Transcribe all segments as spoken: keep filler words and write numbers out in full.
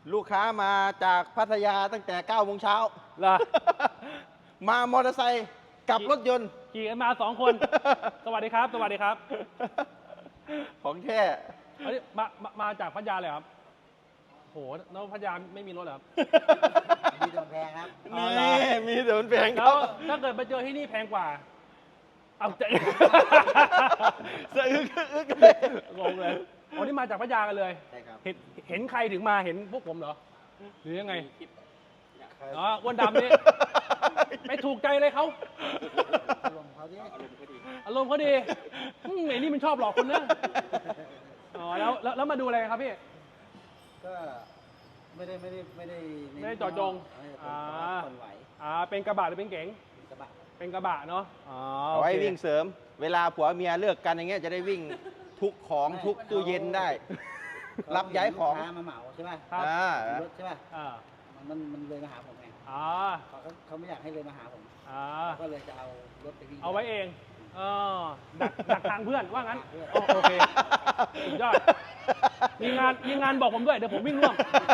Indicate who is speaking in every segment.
Speaker 1: ลูกค้ามาจากพัทยาตั้งแต่เก้าโมงเช้า
Speaker 2: เหรอ
Speaker 1: มามอเตอร์ไซค์กับรถยนต์
Speaker 2: ขี่กันมาสองคน สวัสดีครับ สวัสดีครับ
Speaker 1: ของแท้
Speaker 2: อันนี้มามามาจากพัทยาเลยครับโหแล้วพัทยาไม่มีรถเหรอครับ
Speaker 3: มีโดนแพงครับ
Speaker 2: อ๋อ
Speaker 1: นี่
Speaker 2: เหรอ
Speaker 1: มีแต่มันแพงค
Speaker 2: แล้
Speaker 1: รั
Speaker 2: ว
Speaker 1: บ
Speaker 2: ถ้าเกิดมาเจอที่นี่แพงกว่า เอาใจ
Speaker 1: สะอึกอึกเลย
Speaker 2: งงเลยอ๋อนี่มาจากพัทยากันเลย
Speaker 3: ใช่ครับ
Speaker 2: เห็นเห็นใครถึงมาเห็นพวกผมเหรอ หรือยังไง
Speaker 3: ใคร
Speaker 2: อ๋ออ้วนดำนี่ ไม่ถูกใจเลยเขา
Speaker 3: ลงเขาดิ
Speaker 2: อารมณ์เขาดีอืมไอ้นี่มันชอบหลอกคนนะอ๋อแล้วแล้วแล้วมาดูอะไรครับพี่
Speaker 3: ก็ไม่ได้ไม่ได้ไม่ได้
Speaker 2: ไม่ได้เจาะจง
Speaker 3: ไม่ได้เจาะจง
Speaker 2: อ่า
Speaker 3: คนไหว
Speaker 2: อ่าเป็นกระบะหรือเป็นเก๋ง
Speaker 3: กระบะ
Speaker 2: เป็นกระบะเนาะอ๋อ
Speaker 1: เอาไว้
Speaker 2: โอเค
Speaker 1: วิ่งเสริม เวลาผัวเมียเลิกกันอย่างเงี้ยจะได้วิ่งทุกของทุกตู้เย็นได้ รับย้ายของ
Speaker 3: ลูกค้ามาเหมาใช่ป่ะ
Speaker 2: ครับ
Speaker 1: อ่า
Speaker 3: รถใช่ป่ะ
Speaker 2: อ่า
Speaker 3: มันมันเลยมาหาผมไง
Speaker 2: อ่า
Speaker 3: เขาก็เขาไม่อยากให้เลยมาหาผม
Speaker 2: อ่า
Speaker 3: เขาก็เลยจะเอารถไปวิ่ง
Speaker 2: เอาไว้เองเออดักดักทางเพื่อนว่างั้น
Speaker 3: เพื่อน
Speaker 2: อ๋อโอเคสุดยอดมีงานมีงานบอกผมด้วยเดี๋ยวผมวิ่งร่วม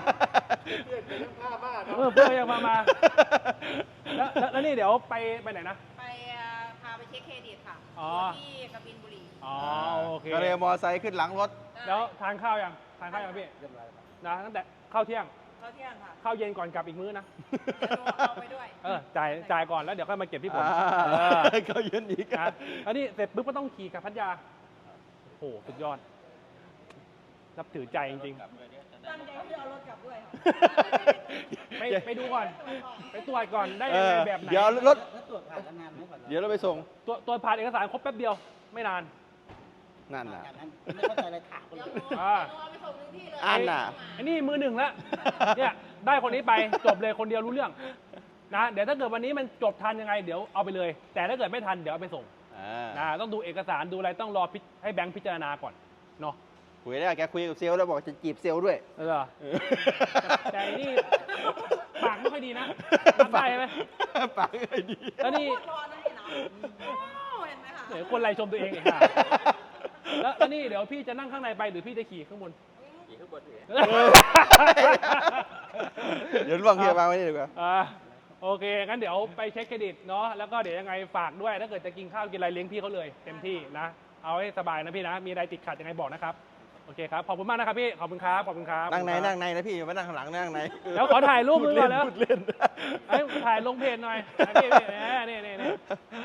Speaker 2: เออเพื่อนยังมามาแล้วแล้วแล้วนี่เดี๋ยวไปไปไหนนะ
Speaker 4: ไปเอ่อพาไปเช็คเครดิตค่ะ
Speaker 2: อ๋อ
Speaker 4: ที่กบินบุรี
Speaker 2: อ๋อโอเค
Speaker 1: ก็เลยเอามอไซค์ขึ้นหลังรถ
Speaker 2: แล้วทานข้าวยังทานข้าวยังพี่
Speaker 3: เรียบร้อยแล้วครับ
Speaker 2: นะตั้งแต่ข้าวเที่ยง
Speaker 4: เข้าเที่ยงค่ะ
Speaker 2: ข้าวเย็นก่อนกลับอีกมื้อนะ
Speaker 4: เดี๋ยวหนูเอาไปด้วย
Speaker 2: เออจ่ายจ่ายก่อนแล้วเดี๋ยวค่อยมาเก็บที่ผม
Speaker 1: อ่า
Speaker 2: เออ
Speaker 1: เขายืนอีก
Speaker 2: นะแล้วนี่เสร็จปุ๊บก็ต้องขี่กลับพัทยาโอ้โหสุดยอดนับถือใจจริง
Speaker 4: ตั้งใจว่าจะเอารถกลับด้วยค่ะ
Speaker 2: ๆไปไปดูก่อน ไปตรวจก่อนได้
Speaker 1: เอ
Speaker 2: ยังไง
Speaker 1: อ
Speaker 2: แบบไหน
Speaker 1: เดี๋ยวรถ
Speaker 3: แล้วตรวจผ่านแล้วนานไหมก่อน
Speaker 1: เดี๋ยวเราไปส่ง
Speaker 2: ตัวตัวผ่านเอกสารครบแป๊บเดียวไม่นาน
Speaker 1: นั่นน่ะ
Speaker 3: อย่างนั้นไม่เข้าใจอะไรถามคน
Speaker 4: เดี๋ยว
Speaker 3: อื่น
Speaker 4: หนู
Speaker 2: อ่า
Speaker 4: เดี๋ยวหนูเอาไปส่งถึงที่เลย
Speaker 1: อันน่ะ
Speaker 2: ไอ้นี่มือหนึ่งแล้วเนี่ยได้คนนี้ไปจบเลยคนเดียวรู้เรื่องนะเดี๋ยวถ้าเกิดวันนี้มันจบทันยังไงเดี๋ยวเอาไปเลย แต่ถ้าเกิดไม่ทันเดี๋ยวเอาไปส่ง
Speaker 1: อ่า
Speaker 2: นะต้องดูเอกสารดูอะไรต้องรอพิจให้แบงค์พิจารณาก่อนเนาะ
Speaker 1: คุยได้แกคุยกับเซลล์แล้วบอกจะจีบเซลล์ด้วย
Speaker 2: เออแต่ไอ้นี่ปากไม่ค่อยดีนะรับได้ไหม
Speaker 1: ปากไอ้ดี
Speaker 2: แล้วนี่
Speaker 4: พูดรอนะพี่เนาะโอ้เห็นไหมคะ
Speaker 2: เดี๋ยวคนไรชมตัวเองอีกค่ะแล้วแล้วนี่เดี๋ยวพี่จะนั่งข้างในไปหรือพี่จะขี่ข้างบน
Speaker 3: ขี่ข้างบนเลย
Speaker 1: เดี๋ยวลองเฮียวางไว้นี่ดีกว่า
Speaker 2: อ่าโอเคงั้นเดี๋ยวไปเช็คเครดิตเนาะแล้วก็เดี๋ยวยังไงฝากด้วยถ้าเกิดจะกินข้าวกินอะไรเลี้ยงพี่เขาเลยเต็มที่นะเอาให้สบายนะพี่นะมีอะไรติดขัดยังไงบอกนะครับโอเคครับขอบคุณมากนะครับพี่ขอบคุณครับขอบคุณครับ
Speaker 1: นั่งใน
Speaker 2: ขอบคุณครับ
Speaker 1: นั่งในนะพี่อย่ามานั่งข้างหลังนั่งใน
Speaker 2: แล้วขอถ่ายรูป
Speaker 1: พู
Speaker 2: นึ
Speaker 1: ด
Speaker 2: ง
Speaker 1: เล่
Speaker 2: ก่อน นแล้ว
Speaker 1: พูดเล่น
Speaker 2: ไอ้ยถ่ายลงเพจหน่อยอ่ะนี่นี่นี่นี่นี่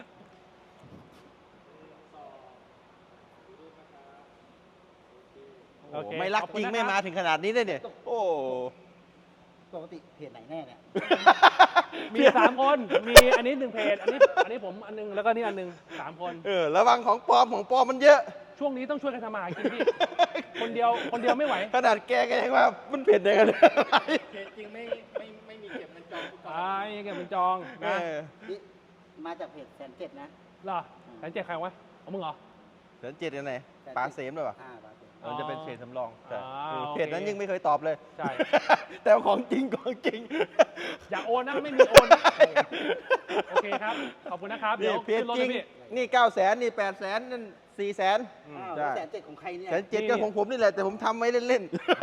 Speaker 2: โอเค
Speaker 1: ไม่รัก
Speaker 2: ขอบ
Speaker 1: จ
Speaker 2: คุ
Speaker 1: ริ
Speaker 2: ณ
Speaker 1: ง
Speaker 2: นะ
Speaker 1: ไม่
Speaker 2: ค
Speaker 1: มา
Speaker 2: รับ
Speaker 1: ถึงขนาดนี้เลยเนี่ยโอ้
Speaker 3: ปกติเพจไหนแน่เนี่ย
Speaker 2: มีสามคนมีอันนี้หนึ่งเพจอันนี้อันนี้ผมอันนึงแล้วก็นี่อันนึงสามคน
Speaker 1: เออระวังของปลอมของปลอมมันเยอะ
Speaker 2: ช่วงนี้ต้องช่วยกันทำมาหากินพี่คนเดียวคนเดียวไม่ไหว
Speaker 1: ขนาดแกก็ยังว่ามันเผ็ดได้กันเลย
Speaker 3: เพจจริงไม่ไม่ไม่มีเก็บเงินจอง
Speaker 2: อ่ายังไงเป็นจอง
Speaker 1: เอ
Speaker 2: นะ
Speaker 1: อ
Speaker 3: นี่มาจากเพจแสนเจ็ดนะ
Speaker 2: เหรอแสนเจ็ดใครวะของมึงเหรอ
Speaker 1: เดือนเจ็ดยังไงปลาเสมหรือเปล่า
Speaker 3: อ่าบาทเจ็ด
Speaker 1: มันจะเป็นเศษสำรองแต่
Speaker 2: อ่า
Speaker 1: เออ
Speaker 2: โอเค
Speaker 1: เพจนั้นยังไม่เคยตอบเลย
Speaker 2: ใช่
Speaker 1: แต่ว่าของจริงของจริง
Speaker 2: อย่าโอนนะไม่มีโอนนะโอเคครับขอบคุณนะครับเดี๋
Speaker 1: นี่
Speaker 2: ยว
Speaker 1: เพจ
Speaker 2: ขึ้นรถ
Speaker 1: จริ
Speaker 2: เล
Speaker 1: ง
Speaker 2: ยพี่
Speaker 1: นี่เก้าแสนนี่แปดแสนนั่นสี่แสน
Speaker 3: อ้าว
Speaker 1: ใช่
Speaker 3: แสนเจ็ดของใครเนี่ย
Speaker 1: แสนเจ็ดก็ของผมนี่แหละแต่ผมทำไว้เล่น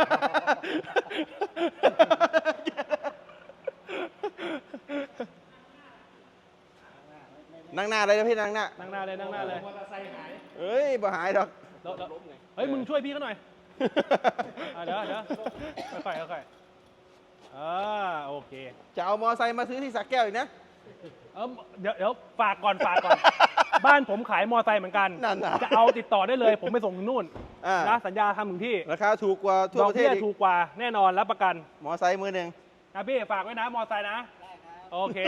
Speaker 1: ๆ นั่งหน้าเลยนะพี่นั่งหน้า
Speaker 2: นั่งหน้าเลยนั่งหน้าเลย
Speaker 1: เอ้ยบ่หายดอก
Speaker 2: แล้วแล้วเฮ้ยมึงช่วยพี่เขาหน่อยอ่ะเดี๋ยวเดี๋ยวค่อยๆค่อยๆอ่าโอเค
Speaker 1: จะเอามอไซค์มาซื้อที่สักแก้วอีกนะ
Speaker 2: เออเดี๋ยวเดี๋ยวฝากก่อนฝากก่อน บ้านผมขายมอไซค์เหมือนกัน
Speaker 1: นั่นน่ะ
Speaker 2: จะเอาติดต่อได้เลย ผมไปส่งถึงนู่น
Speaker 1: อ่า
Speaker 2: นะสัญญาทำถึงที่
Speaker 1: ราคาถูกกว่าทั่ว
Speaker 2: ดอก
Speaker 1: ประเท
Speaker 2: เบี้
Speaker 1: ศ
Speaker 2: ย
Speaker 1: อีก
Speaker 2: ถูกกว่าแน่นอนรับประกัน
Speaker 1: มอไซค์มือหนึ่ง
Speaker 2: นะพี่ฝากไว้นะมอไซค์นะ
Speaker 3: ได้ครับ
Speaker 2: โอเค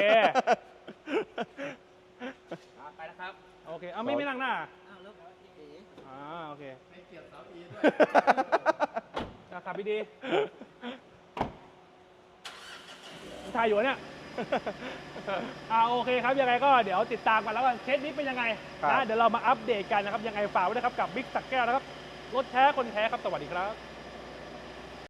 Speaker 2: ไปนะครับโอเคเอาไม่ไม่นั่งหน้า
Speaker 3: อ้าวแล้วพี่เอ๋
Speaker 2: อ่าโอเคไม่เกี่ยวเสาอีด้วยขับดีๆถ่ายอยู่เนี่ย อ่าโอเคครับยังไงก็เดี๋ยวติดตามกันแล้วกันเคสนี้เป็นยังไง
Speaker 1: ครับ
Speaker 2: นะเดี๋ยวเรามาอัปเดตกันนะครับยังไงฝากไว้นะครับกับบิ๊กสักแก้วนะครับรถแท้คนแท้ครับสวัสดีครับ